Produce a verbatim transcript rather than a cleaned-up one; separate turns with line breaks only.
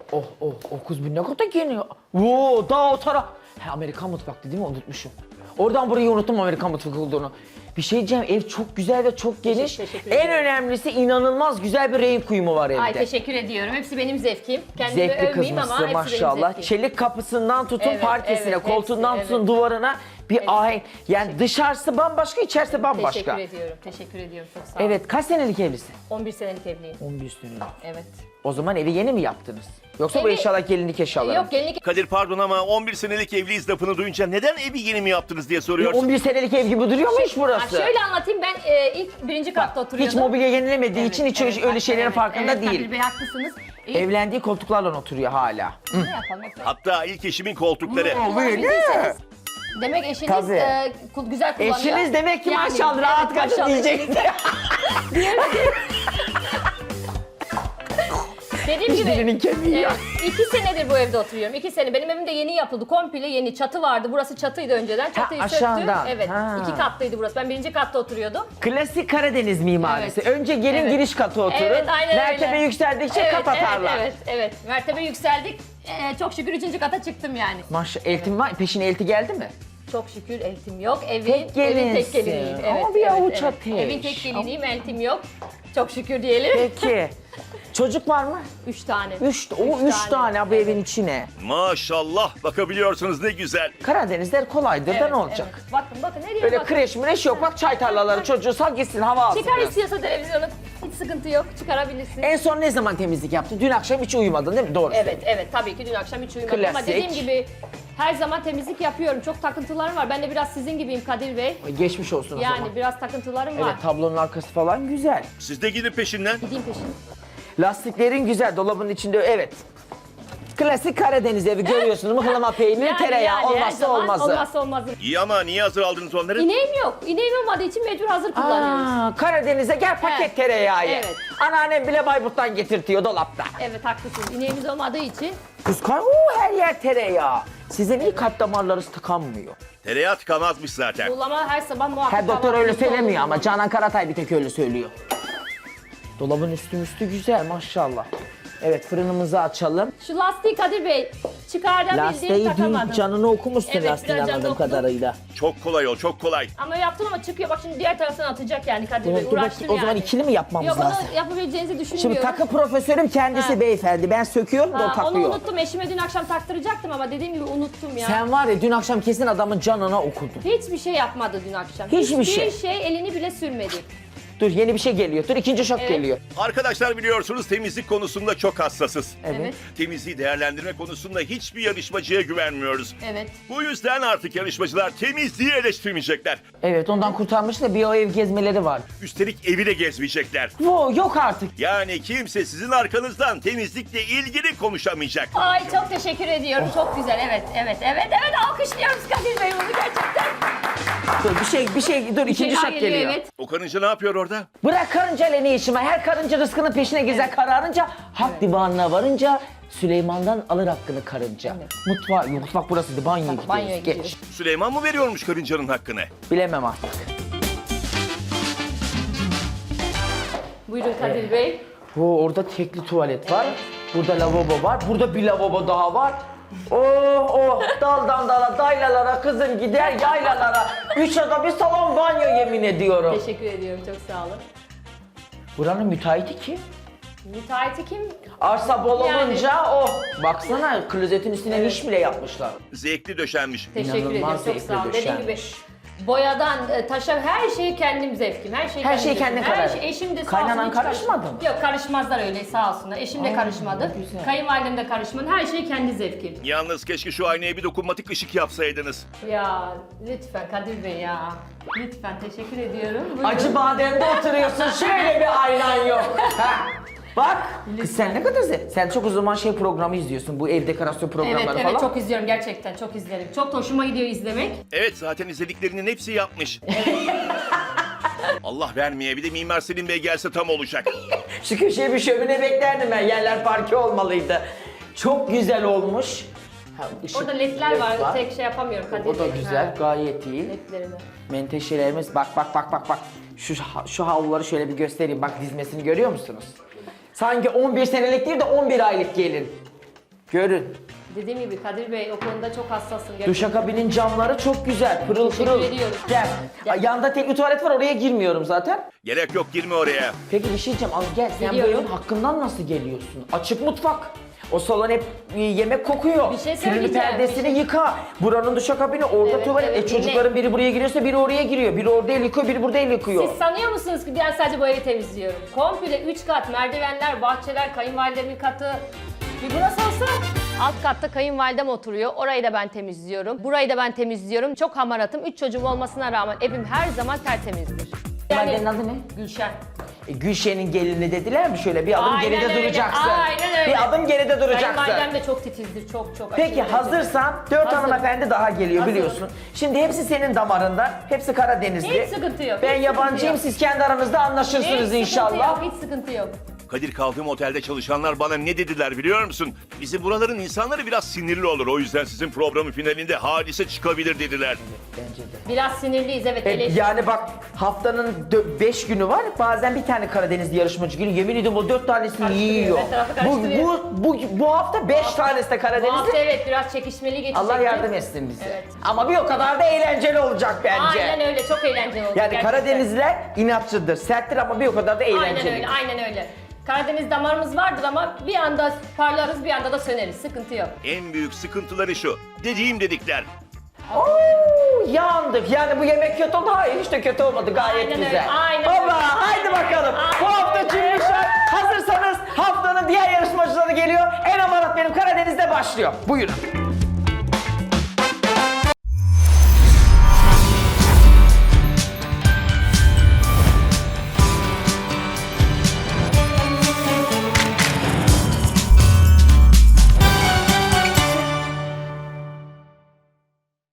Oh oh oh kız bu ne kadar geniyor. Oo daha o taraf. He Amerikan mutfaktı değil mi? Unutmuşum. Oradan burayı unuttum Amerikan mutfak olduğunu. Bir şey diyeceğim, ev çok güzel ve çok geniş.
Teşekkür
En
ederim.
önemlisi inanılmaz güzel bir renk uyumu var evde.
Ay teşekkür ediyorum. Hepsi benim zevkim. Kendimi
Zevkli
övmeyeyim ama
kızmışsın
hepsi benim
maşallah.
zevkim.
Çelik kapısından tutun
Evet,
parkesine,
evet,
koltuğundan
hepsi,
tutun
evet.
duvarına bir ahenk. Yani dışarısı bambaşka, içerisi bambaşka.
Teşekkür ediyorum. Teşekkür ediyorum. Çok sağ olun.
Evet, kaç senelik evlisin?
on bir senelik evliyim.
on bir senelik.
Evet.
O zaman evi yeni mi yaptınız? Yoksa bu
Evi-
eşyalar gelinlik eşyalar mı?
Yok gelinlik
Kadir pardon ama on bir senelik evliyiz lafını duyunca neden evi yeni mi yaptınız diye
E,
soruyorsun.
on bir senelik ev gibi duruyor mu hiç
Ha,
burası?
şöyle anlatayım ben e, ilk birinci katta oturuyordum.
Hiç mobilya yenilemediği
Evet,
için hiç
evet,
öyle şeylerin
evet,
farkında
evet,
değil.
Kadir Bey haklısınız. İlk,
Evlendiği koltuklarla oturuyor hala.
ne yapalım?
Hatta ilk eşimin koltukları.
Kullanabilirseniz. Demek eşiniz
Tabii.
e, kul- güzel kullanıyor.
Eşiniz demek ki
Yani,
maşallah rahat
evet,
kadın
maşallah.
diyecekti.
Dediğim
Hiç
gibi
dilinin kemiği ya.
evet, iki senedir bu evde oturuyorum. İki sene. Benim evim de yeni yapıldı. Komple yeni. Çatı vardı. Burası çatıydı önceden. Çatıyı
aşağıdan.
söktüm. Evet.
Ha.
iki katlıydı burası. Ben birinci katta oturuyordum.
Klasik Karadeniz mimarisi.
Evet.
Önce gelin
Evet.
giriş katı oturur.
Evet, aynen
Mertebe
öyle.
yükseldikçe
evet,
kat atarlar.
Evet, evet, evet. Mertebe yükseldik. Ee, çok şükür üçüncü kata çıktım yani.
Maşallah eltim var. Peşine elti geldi mi?
Çok şükür eltim yok. Evin
Tek
evin tek
gelinsin.
geliniyim.
Ama bir avuç ateş.
Evin tek geliniyim, eltim yok. Çok şükür diyelim.
Peki. Çocuk var mı?
Üç tane.
Üç, o üç tane bu
Evet.
evin içine.
Maşallah bakabiliyorsunuz ne güzel.
Karadenizler kolaydır da
Evet,
ne olacak?
evet. Bakın bakın ne diyor
Öyle
bakın.
kreş mreş yok. Bak çay tarlaları çocuğu sal gitsin hava alsın
Çıkar
biraz.
istiyorsa televizyonu. Hiç sıkıntı yok. Çıkarabilirsin.
En son ne zaman temizlik yaptın? Dün akşam hiç uyumadın değil mi? Doğru.
Evet, evet. Tabii ki dün akşam hiç uyumadım ama
Klasik.
dediğim gibi her zaman temizlik yapıyorum. Çok takıntılarım var. Ben de biraz sizin gibiyim Kadir Bey.
Geçmiş olsun o
Yani
zaman.
biraz takıntılarım var.
Evet tablonun arkası falan güzel.
Siz de gidin peşinden.
Gideyim peşin.
Lastiklerin güzel dolabın içinde evet. Klasik Karadeniz evi görüyorsunuz. Mıhlama peyniri,
Yani,
tereyağı
yani her
olmazsa
zaman
olmazı.
Olmazsa olmazı.
İyi ama niye hazır aldınız onları?
İneğim yok. İneğim olmadığı için mecbur hazır kullanıyoruz.
Aa, Karadeniz'e gel paket
Evet.
tereyağı ye.
Evet.
Anneannem bile Bayburt'tan getirtiyor dolapta.
Evet haklısınız. İneğimiz olmadığı için
Kıskan, uuu her yer tereyağı. Sizin iyi kalp damarlarınız tıkanmıyor.
Tereyağı tıkamazmış zaten.
buğulama her sabah muhakkak
Her doktor öyle
kahvaltımızda
söylemiyor
olur.
ama Canan Karatay bir tek öyle söylüyor. Dolabın üstü üstü güzel maşallah. Evet fırınımızı açalım.
Şu lastiği Kadir Bey çıkardım
Lastiği
bildiğim
dün
takamadım.
canını okumuşsun
Evet,
lastiğin
biraz canını
anladığım
okudum.
kadarıyla.
Çok kolay ol, çok kolay.
Ama yaptım ama çıkıyor. Bak şimdi diğer taraftan atacak yani Kadir Bey.
Dur, dur
Uğraştım
bakayım, o zaman
yani.
ikili mi yapmamız
Yok
lazım?
onu yapabileceğinizi
Şimdi
düşünmüyorum.
takı profesörüm kendisi
Ha.
beyefendi. Ben söküyorum da o
Ha, onu
takıyor.
unuttum. Eşime dün akşam taktıracaktım ama dediğim gibi unuttum ya.
Sen var ya dün akşam kesin adamın canına okudun.
Hiçbir şey yapmadı dün akşam.
Hiçbir şey.
şey elini bile sürmedi.
Dur yeni bir şey geliyor. Dur ikinci şok
Evet.
geliyor.
Arkadaşlar biliyorsunuz temizlik konusunda çok hassasız.
Evet.
Temizliği değerlendirme konusunda hiçbir yarışmacıya güvenmiyoruz.
Evet.
Bu yüzden artık yarışmacılar temizliği eleştirmeyecekler.
Evet ondan kurtarmış da bir o ev gezmeleri var.
Üstelik evi de gezmeyecekler.
Wo yok artık.
Yani kimse sizin arkanızdan temizlikle ilgili konuşamayacak.
Ay çok teşekkür ediyorum. Çok güzel. Evet, evet, evet, evet. Alkışlıyoruz Kadir Bey bunu gerçekten.
Dur bir şey bir şey dur ikinci
Şeyler
şok geliyor.
Evet.
O karınca ne yapıyor orada?
Bırak karıncayla ne işim var? Her karınca rızkının peşine gezer kararınca, hak divanına varınca Süleyman'dan alır hakkını karınca. Mutfağı, yok mutfak burasıydı, banyoya gidiyoruz.
banyoya
Geç.
gidiyoruz.
Süleyman mı veriyormuş karıncanın hakkını?
Bilemem artık.
Buyurun Kadir Bey.
Oo, orada tekli tuvalet var. Burada lavabo var. Burada bir lavabo daha var. Oh oh daldan dala daylalara kızım gider yaylalara. Üç oda bir salon banyo yemin ediyorum.
Teşekkür ediyorum. Çok sağ olun.
Buranın müteahhiti kim?
Müteahhiti kim?
Arsa bol
Yani.
olunca oh. Baksana klozetin üstüne niş bile yapmışlar.
Zevkli döşenmiş.
Teşekkür
İnanılmaz
ediyorum. Çok
zevkle
sağ olun. Dediğim gibi
döşenmiş.
boyadan e, taşa her şeyi kendim zevkim. Her şeyi
Her
kendim
şey
zevkim.
kendin
Her
karar.
şey eşim de sağ
Kaynanan
olsun hiç
karışmadı
karışmadı.
mı?
Yok karışmazlar öyle sağ olsunlar. Eşim de
Aa,
karışmadı.
ne güzel.
Kayınvalidem de karışmadı. Her şey kendi zevkim.
Yalnız keşke şu aynaya bir dokunmatik ışık yapsaydınız.
Ya lütfen Kadir Bey ya. Lütfen teşekkür ediyorum. Buyurun.
Acı bademde oturuyorsun şöyle bir aynan yok. Ha. Bak kız sen ne kadar ze- sen çok o zaman şey programı izliyorsun bu ev dekorasyon programları
Evet
falan.
evet çok izliyorum gerçekten çok izlerim. Çok da hoşuma gidiyor izlemek.
Evet zaten izlediklerinin hepsi yapmış. Allah vermeye bir de Mimar Selim Bey gelse tam olacak.
Şu köşeye bir şömine beklerdim ben yerler parke olmalıydı. Çok güzel olmuş. Ha, ışık-
Orada ledler
led
var. Tek şey yapamıyorum Kadir
O da
Bey.
güzel
Ha,
gayet iyi.
ledlerimi.
Menteşelerimiz bak bak bak bak bak. Şu şu havluları şöyle bir göstereyim. Bak dizmesini görüyor musunuz? Sanki on bir senelik değil de on bir aylık gelin. Görün.
Dediğim gibi Kadir Bey o konuda çok hassasım. Gerçekten.
Duşakabinin camları çok güzel. Pırıl
Teşekkür
pırıl.
ediyorum.
Gel.
Gel.
Yanında tekli tuvalet var, oraya girmiyorum zaten.
Gerek yok, girme oraya.
Peki bir şey diyeceğim, az gel. Sen bu
Geliyorum.
evin hakkından nasıl geliyorsun? Açık mutfak. O salon hep e, yemek kokuyor.
Bir şey
Tülünü
söyleyeceğim,
perdesini
bir şey-
yıka. Buranın duşakabini, orada
Evet,
tuvalet.
evet,
e, çocukların
dinle.
biri buraya giriyorsa biri oraya giriyor. Biri orada el yıkıyor, biri burada el yıkıyor.
Siz sanıyor musunuz ki ben sadece bu evi temizliyorum? Komple üç kat, merdivenler, bahçeler, kayınvalidemin katı. Bir burası olsa alt katta kayınvalidem oturuyor. Orayı da ben temizliyorum. Burayı da ben temizliyorum. Çok hamaratım. Üç çocuğum olmasına rağmen evim her zaman tertemizdir.
Kayınvalidenin adı ne?
Gülşen.
E, Gülşen'in gelini dediler mi şöyle bir adım
Aynen
geride
öyle,
duracaksın.
aynen öyle.
Bir adım geride duracaksın.
Kayınvalidem de çok titizdir. Çok çok.
Peki
aşırı
hazırsan dört
Hazırım.
hanımefendi daha geliyor
Hazırım.
biliyorsun. Şimdi hepsi senin damarında. Hepsi Karadenizli.
Hiç sıkıntı yok,
Ben
hiç
yabancıyım,
sıkıntı yok.
siz kendi aranızda
Hiç
anlaşırsınız
sıkıntı
inşallah.
yok, hiç sıkıntı yok.
Kadir, kaldığım otelde çalışanlar bana ne dediler biliyor musun? Bizim buraların insanları biraz sinirli olur. O yüzden sizin programın finalinde hadise çıkabilir dediler.
Bence de.
Biraz sinirliyiz evet.
E,
eleştir-
yani bak haftanın beş günü var. Bazen bir tane Karadenizli yarışmacı geliyor. Yemin ediyorum o dört tanesini
Karıştırıyor,
yiyor.
her tarafı
Bu,
karıştırıyor.
bu, bu, bu hafta beş tanesi de
Bu hafta
Karadenizli.
evet biraz çekişmeli geçecek.
Allah yardım etsin bize.
Evet.
Ama bir o kadar da eğlenceli olacak bence.
Aynen öyle, çok eğlenceli oldu.
Yani
gerçekten.
Karadenizliler inatçıdır, serttir ama bir o kadar da eğlenceli.
Aynen öyle, aynen öyle. Karadeniz damarımız vardır ama bir anda parlarız, bir anda da söneriz. Sıkıntı yok.
En büyük sıkıntıları şu. Dediğim dedikler.
Oo, yandık. Yani bu yemek kötü oldu. Hayır hiç de kötü olmadı. Gayet
Aynen
güzel.
öyle, aynen
Baba
öyle.
haydi bakalım. Bu
Aynen
hafta
öyle.
Cümbüşler. Hazırsanız haftanın diğer yarışmacıları geliyor. En amarat benim Karadeniz'de başlıyor. Buyurun.